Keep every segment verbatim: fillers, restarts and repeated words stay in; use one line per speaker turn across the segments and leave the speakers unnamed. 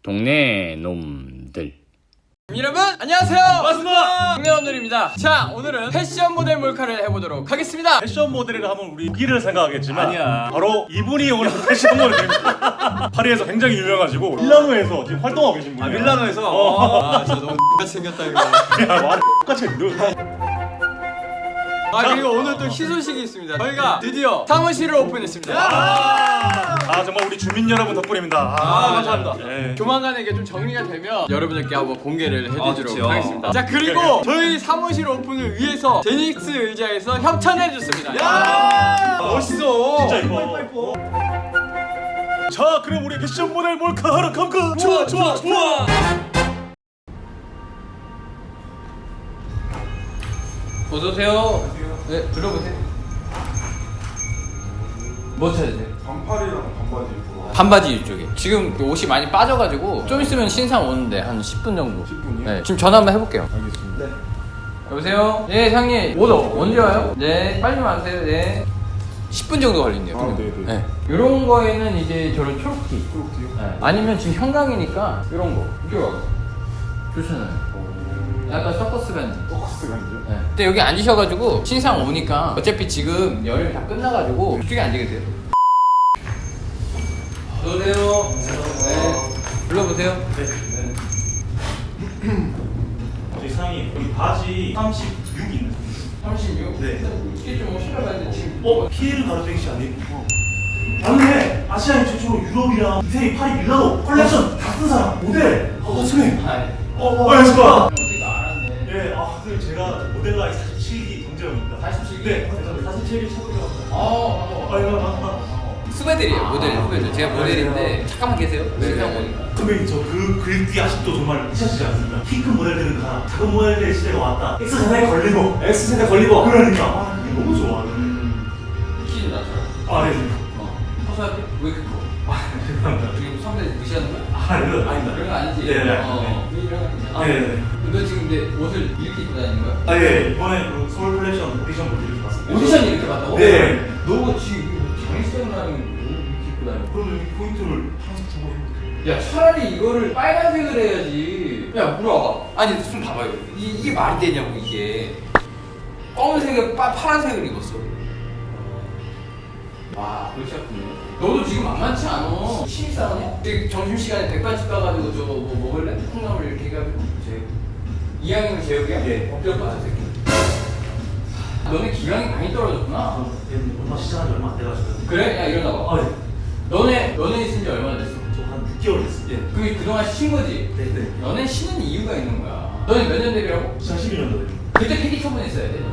동네 놈들.
여러분 안녕하세요.
반갑습니다.
동네놈들입니다. 자, 오늘은 패션 모델 몰카를 해보도록 하겠습니다.
패션 모델이라 하면 우리 무기를 생각하겠지만
아니야.
바로 이분이 오늘 패션 모델입니다. 파리에서 굉장히 유명하시고 밀라노에서 지금 활동하고 계신 분이에요.
아, 밀라노에서?
어.
아, 진짜 너무 X같이 생겼다 이거.
야 말이 똑같이 했는데.
아, 그리고 오늘 또 희소식이 있습니다. 저희가 드디어 사무실을 오픈했습니다.
아 정말 우리 주민 여러분 덕분입니다.
아, 감사합니다.
예.
조만간에 이게 좀 정리가 되면 여러분들께 한번 공개를 해드리도록
좋죠.
하겠습니다. 자, 그리고 저희 사무실 오픈을 위해서 제닉스 의자에서 협찬해줬습니다. 야, 멋있어.
진짜 이뻐. 자 그럼 우리 패션 모델 몰카 하러 감가. 좋아 좋아 좋아.
어서오세요. 네, 들어보세요. 뭐 찾으세요?
반팔이랑 반바지 입고
반바지 이쪽에. 지금 옷이 많이 빠져가지고 좀 있으면 신상 오는데 한 십 분 정도.
십 분이요?
네, 지금 전화 한번 해볼게요.
알겠습니다. 네.
여보세요? 네, 상님. 옷 어- 언제 와요? 네, 빨리 와주세요. 네. 십 분 정도 걸린대요.
아, 네네.
네. 이런 거에는 이제 저런 초록티.
그렇게요?
네. 아니면 지금 형광이니까 이런 거. 이거 좋잖아요. 약간 서커스 반지.
포커스 간죠?
네. 근데 여기 앉으셔가지고 신상 오니까 어차피 지금 열흘 다 끝나가지고 이쪽에 앉게 돼요. 어서오세요. 네. 불러보세요.
저희 상이 여기 바지 삼십육 있는.
삼십육?
네.
이게 좀 실어봤는데 지금
어 피해를 가로등이 아니고. 맞네. 아시아인 최초로 유럽이랑 이태리 파리 밀라노 컬렉션 다 쓴 사람 모델. 어 선생님.
아이,
어 어, 안녕하십니까.
어떻게 알았네.
예, 아 선생님 제가 모델 나이 사십칠 기 동재형입니다.
사십칠 기?
네, 사십칠 기 찾으려고.
어,
아 이거 아,
후배들이에요. 모델, 후배들. 제가 모델인데 잠깐만 계세요. 신상 오니까.
선배님 저 그 글귀 아직도 정말 잊혀지지 않습니다. 키 큰 모델들은 가, 작은 모델들의 시대가 왔다. X세대 걸리고, X세대 걸리고. 그러니까 아 그게 너무 좋아.
키는 낮춰요.
아 네.
어. 허수아비? 왜 이렇게 커?
아 죄송합니다.
지금 선배 무시하는 거야?
아 이거 아닙니다.
그런 거 아니지?
네, 네.
어. 이런 거 아니야?
아, 네, 네.
너 지금 근데 옷을 이렇게 입고 다니는 거야?
아 예, 이번에 그 서울 컬렉션 오디션 보고 이렇게 봤습니다.
오디션 이렇게 봤다고?
네.
너 지금 장시장이라는 옷 이렇게 입고 다녀.
그러면 이 포인트를 항상 주고 해볼게요.
야, 차라리 이거를 빨간색을 해야지. 야, 물어봐. 아니, 좀 봐봐요. 이, 이게 말이 되냐고, 이게. 검은색에 파, 파란색을 입었어. 와, 그렇지 않군요. 너도 지금 만만치 않아. 신입사원이야? 지금 점심시간에 백반집 가가지고 저거 뭐 먹을래? 콩나물 이렇게 해가지고. 제육. 이왕이면 제육이야?
예.
엎드려 빠져, 새끼. 너네 기량이 많이 떨어졌구나.
아, 얼마 시작한 지 얼마 안 돼가지고.
그래? 야, 일어나봐.
아 네.
너네, 너네 있은 지 얼마나 됐어?
저한 육 개월 됐어요. 예.
그, 그동안 쉰 거지?
네, 네.
너네 쉬는 이유가 있는 거야. 너네 몇 년 데뷔라고?
이천십일 년도에.
그때 폐기 처분했어야 돼.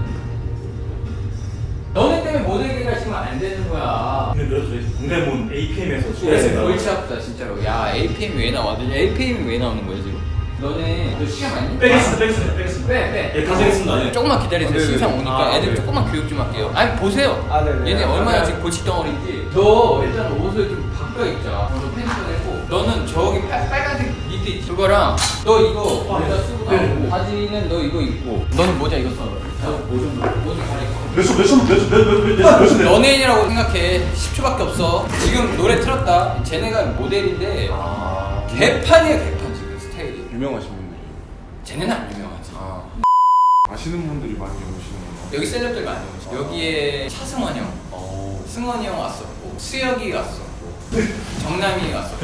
너네 때문에 모델계가 지금 안 되는 거야.
근데 그래도 저희 동대문 에이피엠에서
네,
수고했습니다.
골치 아프다 진짜로. 야, 에이피엠이 왜 나와? 에이피엠이 왜 나오는 거야 지금? 너네 너 시간 많이?
빼겠습니다, 빼겠습니다, 빼겠습니다.
빼, 빼.
예, 다 되겠습니다. 예.
조금만 기다리세요.
아, 네네.
신상 오니까
아,
애들
네.
조금만 교육 좀 할게요. 아니 보세요.
아, 네네.
얘네 얼마나
아,
지금 골칫덩어리인지. 너 일단 옷을 좀 바꿔 입자. 너 펜션 했고. 너는 저기 빨, 빨간색 니트 있지? 그거랑 너 이거
아,
여기다
네.
쓰고
네.
나오고 바지는 너 이거 입고. 너는 모자 이거 써. 너뭐좀 뭐좀 가리고.
몇 초, 몇 초, 몇 초, 몇 초, 몇 초, 몇 초.
연예인이라고 생각해. 십 초밖에 없어. 지금 노래 틀었다. 쟤네가 모델인데
아,
개판이야 개판 지금 스타일이.
유명하신 분들.
쟤네는 안 유명하지.
아. 아시는 분들이 많이 오시는구나.
여기 셀럽들 많이 오죠. 여기에 차승원 형,
어.
승원이 형 왔었고, 수혁이 왔었고, 정남이 왔었고.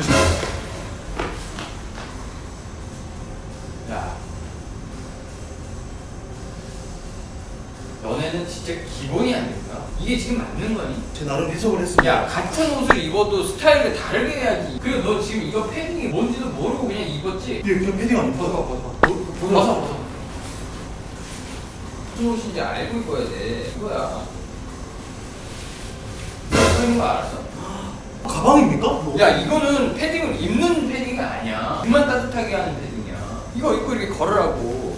야, 너네는 진짜 기본이 안 된다. 이게 지금 맞는 거니?
제 나름 해석을 했습니다.
야, 같은 옷을 입어도 스타일을 다르게 해야지. 그리고 너 지금 이거 패딩이 뭔지도 모르고 그냥 입었지?
예, 그냥 패딩 아니고.
벗어, 벗어. 벗어, 벗어. 무슨 옷인지 알고 입어야 돼. 이거야. 너 그런 거 알았어?
가방입니까? 뭐.
야, 이거는 패딩을 입는 패딩이 아니야. 입만 따뜻하게 하는 패딩이야. 이거 입고 이렇게 걸으라고.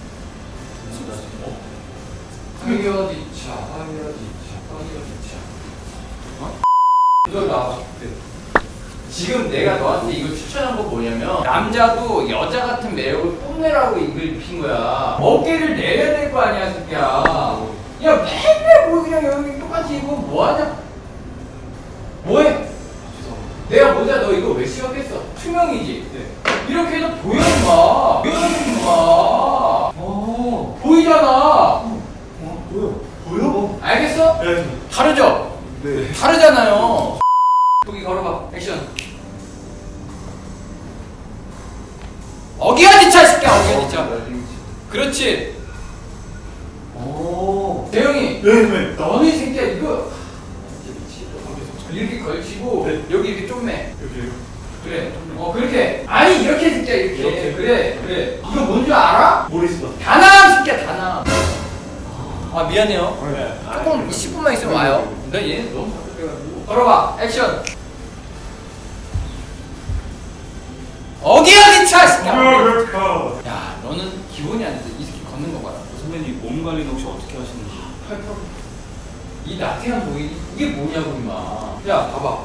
하이어디차, 하이어디차, 하이어디차. 어? 이거 나와봐. 지금 내가 너한테 이거 추천한 거 뭐냐면 남자도 여자 같은 매력을 뽐내라고 이걸 입힌 거야. 어깨를 내려야 될 거 아니야, 새끼야. 야, 맨날 뭐 그냥 여기 똑같이 입고 뭐하냐? 뭐해? 내가 모자 너 이거 왜 시작했어? 투명이지? 네. 이렇게 해도 보여 임마. 보여 임마.
어.
보이잖아.
어, 보여. 보여?
알겠어?
네.
다르죠?
네.
다르잖아요. 거기 걸어봐. 액션. 어기야 뒤차 이 새끼야. 어기야 뒤차. 그렇지.
오.
대영이.
네네.
너는 이 새끼야 이거. 이렇게 걸치고
네.
여기 이렇게 좀매.
여기.
그래. 어 그렇게. 아니 이렇게 새끼야 이렇게.
이렇게.
그래 그래. 이거 뭔 줄 알아?
모르겠어.
다남 새끼야 다남. 아 미안해요.
네.
조금 십 분만 있으면 와요. 나 얘는 너무 답답해가지고. 걸어봐. 액션. 어기야 뒤차 이 새끼야. 야 너는 기본이 안 돼. 이 새끼 걷는 거 봐라.
선배님 몸 관리는 혹시 어떻게 하시는지?
이 나태한 보이 이게 뭐냐고 임마. 야 봐봐.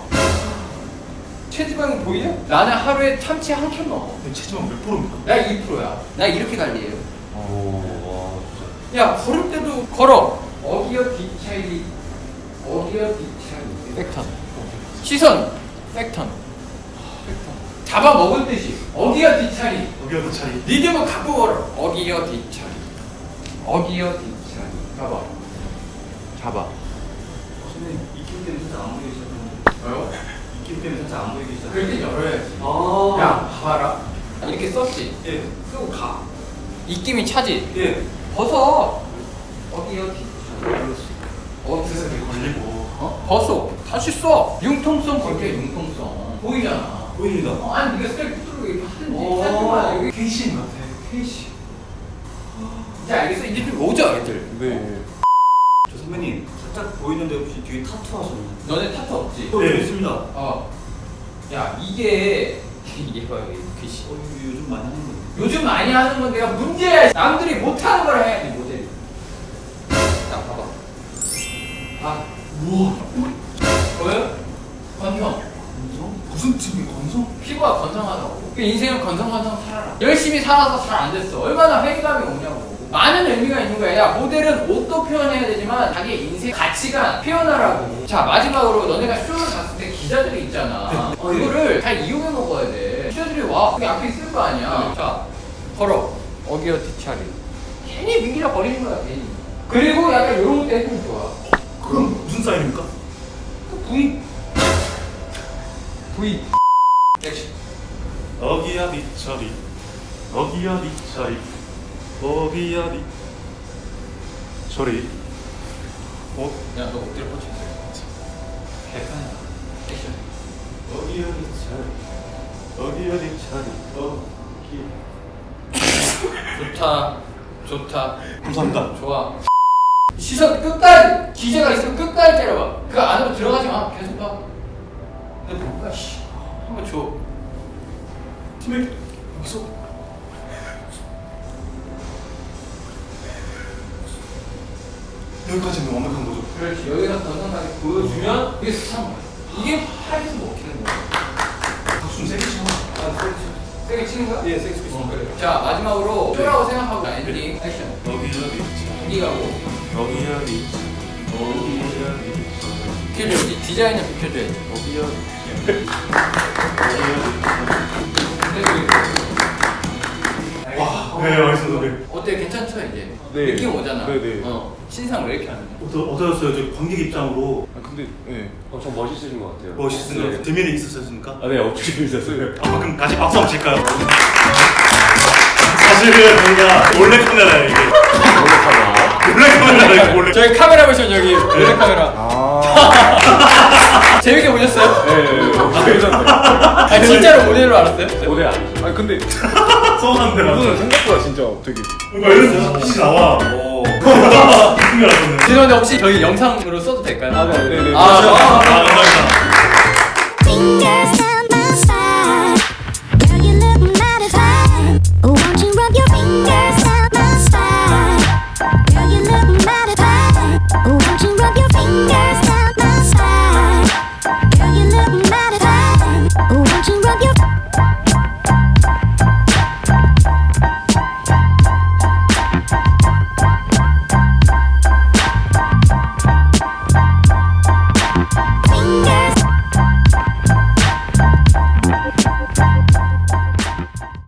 체지방이 보이냐? 나는 하루에 참치 한 캔 먹어.
체지방 몇 프로입니까?
나 이 퍼센트야. 나 이렇게 관리해요.
오, 와, 진짜.
야 걸을 때도 걸어. 어기어 뒤차이. 어기어 뒤차이. 백턴. 시선. 백턴. 백턴. 잡아 먹을 듯이. 어기어 뒤차이.
여기가 더 차이.
리듬을 갖고 걸어. 어기어 뒤차이. 어기어 뒤차이. 잡아. 잡아.
선배님 입김 때문에 살짝 안 보이기 시작했는데.
뭐요?
입김 때문에 살짝 안 보이기 시작.
그럴 땐 열어야지.
아.
야 봐봐라. 이렇게 썼지.
예.
쓰고 가. 입김이 차지.
예.
벗어. 어기어 뒤차이. 어
그래서 이렇게 걸리고.
어? 벗어. 다시 써. 융통성 걸게 융통성. 보이잖아.
보입니다.
어, 아니 네가 셀프 뚫고 이렇게 하든지
오.
하지만 여기
케이씨인 것 같아.
케이씨. 이제 알겠어? 이제 좀 오죠 애들.
네.
저 선배님 살짝 보이는데 혹시 뒤에 타투 하셨나요?
너네 타투 없지?
네, 있습니다.
어. 야 이게 이게 봐요 이게 글씨.
어, 이거 요즘 많이 하는 건데.
요즘 많이 하는 건 내가 문제야. 남들이 못하는 걸 해야지 모델이. 딱 봐봐. 아
우와.
보여? 건성.
건성? 무슨 팀이 건성?
피부가 건성하다고. 그 인생은 건성건성 살아라. 열심히 살아서 잘 안 됐어. 얼마나 회의감이 오냐고. 많은 의미가 있는 거야. 야, 모델은 옷도 표현해야 되지만 자기의 인생 가치가 표현하라고. 자, 마지막으로 너네가 쇼를 갔을 때 기자들이 있잖아. 그거를 잘 이용해 먹어야 돼. 기자들이 와. 그게 앞에 있을 거 아니야. 자, 걸어. 어기어 뒤차리. 괜히 민기라 버리는 거야, 괜히. 그리고 약간 이런 것도 해주면 좋아.
그럼 무슨 사인입니까?
그 V. V. 액션.
어기야 뒤처리. 어기야 뒤처리. 어기야 뒤. 처리. 어?
야, 너 엎드려 뻗쳐 있어. 개판이다. 액션.
어기야 뒤처리. 어기야 뒤처리. 어기.
좋다. 좋다.
감사합니다.
좋아. 시선 끝까지. 기재가 있으면 끝까지 때려봐. 그 안으로 들어가지 마. 계속 봐. 근데 뭔가 씨. 한번 줘.
팀에 여기서. 여기까지는 완벽한 거죠.
그렇지. 여기서 건강하게 보여주면 이게 스타인 거야. 이게 팔에서 먹히는 거야.
박수는 세게 치고.
아, 세게 치- 세게 치는 거야?
예, 세게 치고 있습니다.
어, 그래. 자, 마지막으로 쇼라고 생각하고 자, 엔딩 액션.
어기야 뒤처리.
여기 가고.
어기야 뒤처리. 어기야 뒤처리.
비켜줘야지. 디자인을 비켜줘야지.
어기야 뒤처리. 어기야 뒤처리. 와, 네, 알겠습니다. 네.
어때? 괜찮죠 이제?
네.
느낌 오잖아.
네, 네.
어. 신상 왜 이렇게 하는 거야?
어떠, 어떠셨어요? 저 관객 입장으로
아 근데 네.
엄청 멋있으신 것 같아요.
멋있으세요?
네.
대면에 있었습니까?
아, 네, 없이 있었어요.
아, 그럼 같이 박수 한번 칠까요? 사실은 저희가 몰래 카메라예요, 이게. 몰래 카메라예요, 몰래.
저희 카메라 보시면 여기 몰래 카메라.
아.
재밌게 보셨어요?
네, 네, 없이 있었어요.
아 진짜로 모델로 알았어요?
오늘 아니죠.
아니 근데
서운한데,
이거는
맞아.
생각보다 진짜 되게.
뭔가 이런 빛이 나와. 오. 무슨 일 하셨네.
죄송한데 혹시 저희 영상으로 써도 될까요?
아 네, 네, 네.
아,
아,
아, 아, 아.
감사합니다.
Fingers